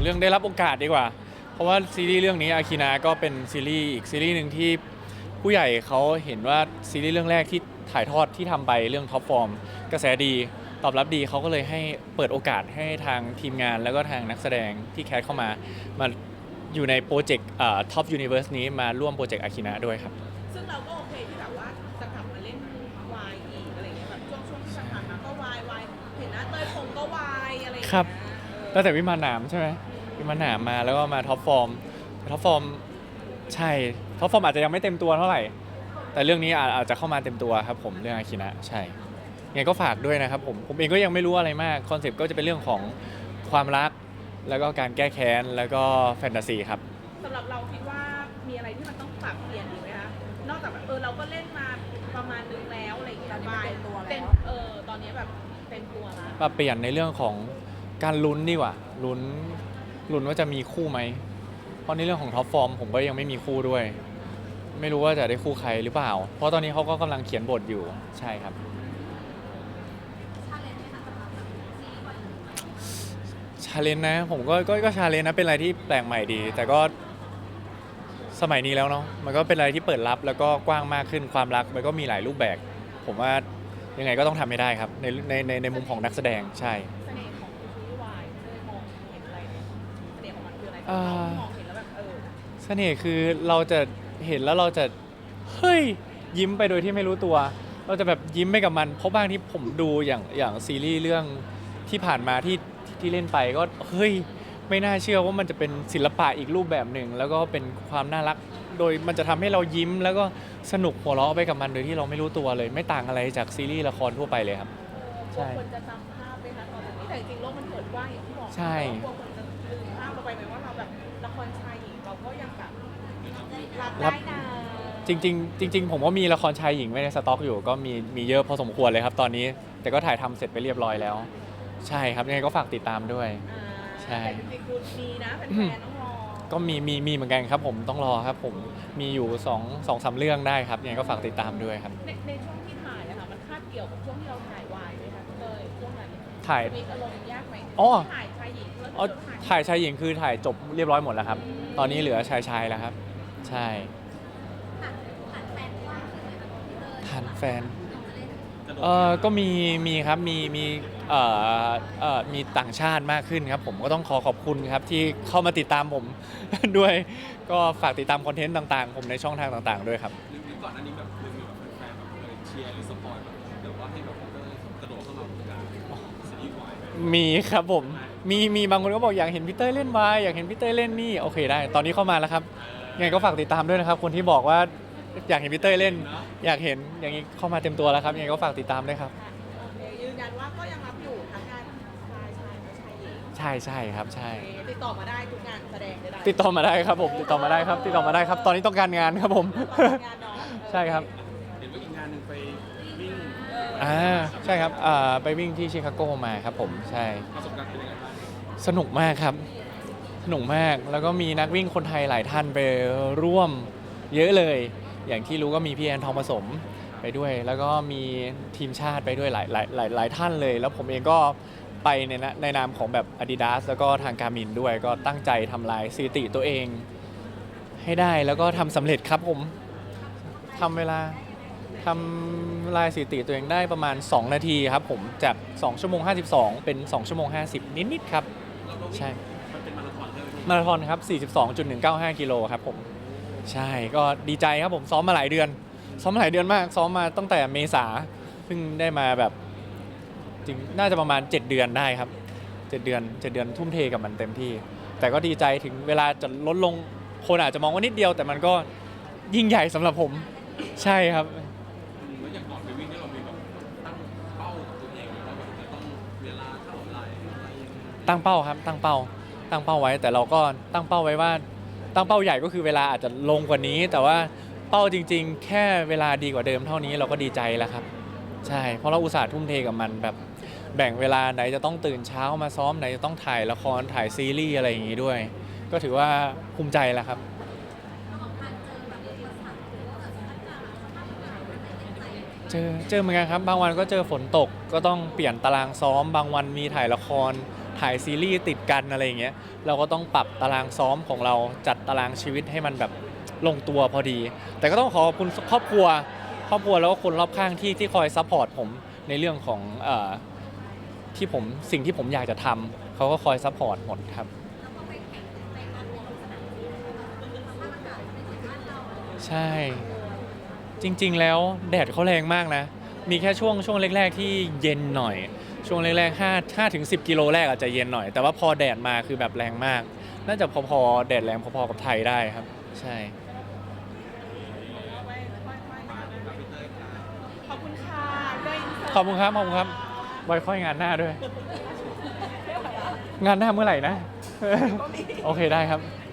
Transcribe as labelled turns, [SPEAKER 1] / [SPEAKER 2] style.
[SPEAKER 1] เรื่องได้รับโอกาสดีกว่าเพราะว่าซีรีส์เรื่องนี้อาคินาก็เป็นซีรีส์อีกซีรีส์หนึ่งที่ผู้ใหญ่เขาเห็นว่าซีรีส์เรื่องแรกที่ถ่ายทอดที่ทำไปเรื่องท็อปฟอร์มกระแสดีตอบรับดีเขาก็เลยให้เปิดโอกาสให้ทางทีมงานแล้วก็ทางนักแสดงที่แคสเข้ามาอยู่ในโปรเจกต์ท็อปยูนิเวอร์สนี้มาร่วมโปรเจกต์อาคินาด้วยครับ
[SPEAKER 2] ซึ่งเราก็โอเคที่แบบว่าจะกลับมาเล่นวายอีกอะไรเงี้ยแบบช่วงที่ผ่านมาก็วายเห็นหน้าเต้ยคงก็วายอะไรอย่างเงี้ย
[SPEAKER 1] ครับตั้งแต่วิมานหนามใช่ไหมวิมานหนามมาแล้วก็มาท็อปฟอร์มใช่ท็อปฟอร์มอาจจะยังไม่เต็มตัวเท่าไหร่แต่เรื่องนี้อาจจะเข้ามาเต็มตัวครับผมเรื่องอาคินะใช่ยังไงก็ฝากด้วยนะครับผมเองก็ยังไม่รู้อะไรมากคอนเซปต์ก็จะเป็นเรื่องของความรักแล้วก็การแก้แค้นแล้วก็แฟนตาซีครับ
[SPEAKER 2] สำหรับเราคิดว่ามีอะไรที่มันต้องปรับเปลี่ยนอีกไหมคะนอกจากแบบเราก็เล่นมาประมาณนึงแล้วอะไรอย่างเงี้ยเต็มตอนนี้แบบเต็มตัวแล้ว
[SPEAKER 1] ปรับเปลี่ยนในเรื่องของการลุ้นดีกว่าลุ้นว่าจะมีคู่ไหมเพราะในเรื่องของท็อปฟอร์มผมก็ยังไม่มีคู่ด้วยไม่รู้ว่าจะได้คู่ใครหรือเปล่าเพราะตอนนี้เขาก็กำลังเขียนบทอยู่ใช่ครับชาเลนจ์นะผมก็ชาเลนจ์นะเป็นอะไรที่แปลกใหม่ดีแต่ก็สมัยนี้แล้วเนาะมันก็เป็นอะไรที่เปิดรับแล้วก็กว้างมากขึ้นความรักมันก็มีหลายรูปแบบผมว่ายังไงก็ต้องทำให้ได้ครับในมุมของนักแสดงใช่
[SPEAKER 2] เสน่ห์ของซีรีส์วายเต้ยมองเห็นอะไรเนี่ยเสน่ห์ของมันคืออะไรเรามองเห็นแล้วแบบ
[SPEAKER 1] เสน่ห์คือเราจะเห็นแล้วเราจะเฮ้ยยิ้มไปโดยที่ไม่รู้ตัวเราจะแบบยิ้มไปกับมันเพราะบางที่ผมดูอย่างซีรีส์เรื่องที่ผ่านมาที่เล่นไปก็เฮ้ยไม่น่าเชื่อว่ามันจะเป็นศิลปะอีกรูปแบบหนึ่งแล้วก็เป็นความน่ารักโดยมันจะทำให้เรายิ้มแล้วก็สนุกหัวเราะไปกับมันโดยที่เราไม่รู้ตัวเลยไม่ต่างอะไรจากซีรีส์ละครทั่วไปเลยครับ
[SPEAKER 2] ใช่คนจะจำภาพไปคะตอนนี้แต่จริงๆโลกมันเปิดกว้างอย่างที่บอก
[SPEAKER 1] ใช่
[SPEAKER 2] กลัวคนจะลืมภาพเราไปไหมว่าเราแบบละครชายหญิงเราก็ยังแบบรับได้นะ
[SPEAKER 1] จริงๆผมก็มีละครชายหญิงไว้ในสต็อกอยู่ก็มีเยอะพอสมควรเลยครับตอนนี้แต่ก็ถ่ายทำเสร็จไปเรียบร้อยแล้วใช่ครับยังไงก็ฝากติดตามด้วยใช่
[SPEAKER 2] แต่จริงๆคือมีนะแฟนๆต้องรอ
[SPEAKER 1] ก็มีเหมือนกันครับผมต้องรอครับผมมีอยู่2-3เรื่องได้ครับยังไงก็ฝากติดตามด้วยครับ
[SPEAKER 2] ในช่วงที่ถ่ายอะค่ะมันคาบเกี่ยวกับช่วงที่เราถ่ายวายไหมคะเลยช่วงนั้น
[SPEAKER 1] ถ่าย
[SPEAKER 2] มีอารมณ์ยากไหม
[SPEAKER 1] อ๋อ
[SPEAKER 2] ถ่ายชายหญิงแล้ว
[SPEAKER 1] ถ่ายชายหญิงคือถ่ายจบเรียบร้อยหมดแล้วครับตอนนี้เหลือชายแล้วครับใช่ฐานแฟนก็มีครับมีต่างชาติมากขึ้นครับผมก็ต้องขอบคุณครับที่เข้ามาติดตามผม ด้วยก็ฝากติดตามคอนเทนต์ต่างๆผมในช่องทางต่างๆด้วยครับ
[SPEAKER 3] หรือก่อนหน้านี้แบบมีแบบแฟนๆแบบเชียร์หรือสปอยแบบว่าให้แบบกระโดดเข้ามาเหมือนกันซีรีส์วาย
[SPEAKER 1] มีครับผมมีบางคนก็บอกอยากเห็นพี่เต้ยเล่นวายอยากเห็นพี่เต้ยเล่นนี่โอเคได้ตอนนี้เข้ามาแล้วครับยังไงก็ฝากติดตามด้วยนะครับคนที่บอกว่าอยากเห็นพี่เต้ยเล่นอยากเห็นอย่างนี้เข้ามาเต็มตัวแล้วครับยังไงก็ฝากติดตามด้วยครับ
[SPEAKER 2] ยืนยันว่าก็ยังรับอยู่ทั้งงานชายและชายหญิง
[SPEAKER 1] ใช่ครับใช่
[SPEAKER 2] ติดต่อมาได้ทุกงานแสดงได้
[SPEAKER 1] ติดต่อมาได้ครับผมติดต่อมาได้ครับตอนนี้ต้องการงานครับผม
[SPEAKER 2] งานน้อง
[SPEAKER 1] ใช่ครับ
[SPEAKER 3] เห็นว่าอีกงานหนึ่งไปวิ่ง
[SPEAKER 1] ใช่ครับไปวิ่งที่ชิคาโกมาครับผมใช่
[SPEAKER 3] ประสบการณ์เป็นยังไงบ้าง
[SPEAKER 1] สนุกมากครับสนุกมากแล้วก็มีนักวิ่งคนไทยหลายท่านไปร่วมเยอะเลยอย่างที่รู้ก็มีพี่แอนทองผสมไปด้วยแล้วก็มีทีมชาติไปด้วยหลายท่านเลยแล้วผมเองก็ไปในนามของแบบ Adidas แล้วก็ทาง Garmin ด้วยก็ตั้งใจทำลายสถิติตัวเองให้ได้แล้วก็ทำสำเร็จครับผมทำลายสถิติตัวเองได้ประมาณ2นาทีครับผมจาก2ชั่วโมง52เป็น2ชั่วโมง50นิดๆครับใช่
[SPEAKER 3] มันเป็นมาราธอนใช่ไหม
[SPEAKER 1] มาราธอนครับ42.195กิโลครับผมใช่ก็ดีใจครับผมซ้อมมาหลายเดือนมากซ้อมมาตั้งแต่เมษาเพิ่งได้มาแบบจริงน่าจะประมาณ7เดือนได้ครับ7เดือนทุ่มเทกับมันเต็มที่แต่ก็ดีใจถึงเวลาจะลดลงคนอาจจะมองว่านิดเดียวแต่มันก็ยิ่งใหญ่สำหรับผมใช่ครับ
[SPEAKER 3] แล้วอย่างก่อนไปวิ่งนี่เรามีแบบตั้งเป้ากับตัวเองว่าแบบจะต้องเวลาเท่าไหร่อะไรยังไง
[SPEAKER 1] ตั้งเป้าครับตั้งเป้าไว้แต่เราก็ตั้งเป้าไว้ว่าตั้งเป้าใหญ่ก็คือเวลาอาจจะลงกว่านี้แต่ว่าเป้าจริงๆแค่เวลาดีกว่าเดิมเท่านี้เราก็ดีใจแล้วครับใช่เพราะเราอุตส่าห์ทุ่มเทกับมันแบบแบ่งเวลาไหนจะต้องตื่นเช้ามาซ้อมไหนจะต้องถ่ายละครถ่ายซีรีส์อะไรอย่างงี้ด้วยก็ถือว่าภูมิใจแล้วครับเจอเหมือนกันครับบางวันก็เจอฝนตกก็ต้องเปลี่ยนตารางซ้อมบางวันมีถ่ายละครถ่ายซีรีส์ติดกันอะไรอย่างเงี้ยเราก็ต้องปรับตารางซ้อมของเราจัดตารางชีวิตให้มันแบบลงตัวพอดี แต่ก็ต้องขอบคุณครอบครัวแล้วก็คนรอบข้างที่คอยซัพพอร์ตผมในเรื่องของที่ผมสิ่งที่ผมอยากจะทำเขาก็คอยซัพพอร์ตหมดครับ ใช่ จริงๆแล้วแดดเขาแรงมากนะ มีแค่ช่วงแรกๆที่เย็นหน่อย ช่วงแรกๆ5ถึง10 กิโลแรกอาจจะเย็นหน่อย แต่ว่าพอแดดมาคือแบบแรงมาก น่าจะพอๆแดดแรงพอๆกับไทยได้ครับ ใช่
[SPEAKER 2] ขอบคุณค่ะได้อินเสิร์ต
[SPEAKER 1] ขอบคุณครับไว้ค่อยงานหน้าด้วย งานหน้าเมื่อไหร่นะ โอเคได้ครับ